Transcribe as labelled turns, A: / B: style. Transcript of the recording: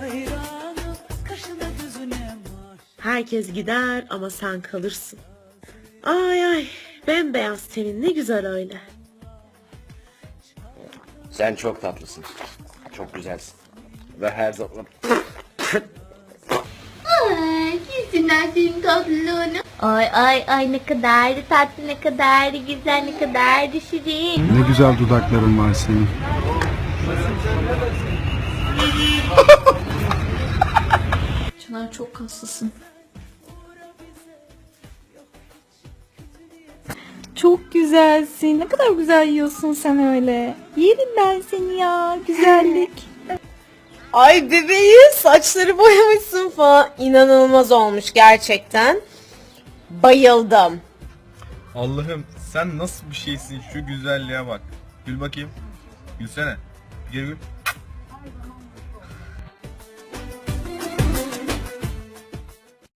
A: Herkes gider ama sen kalırsın. Ay ay, bembeyaz tenin ne güzel öyle.
B: Sen çok tatlısın. Çok güzelsin. Ve her zaman...
C: Ay, yüzünden senin tatlılığını. Ay ne kadar da tatlı, ne kadar da güzel, ne kadar da şirin.
D: Ne güzel dudakların var senin.
E: Çınar çok kaslısın.
F: Çok güzelsin. Ne kadar güzel yiyorsun sen öyle. Yerim ben seni ya. Güzellik.
G: Ay bebeğim, saçları boyamışsın falan. İnanılmaz olmuş gerçekten. Bayıldım.
H: Allah'ım sen nasıl bir şeysin, şu güzelliğe bak. Gül bakayım. Gülsene. Gül gül.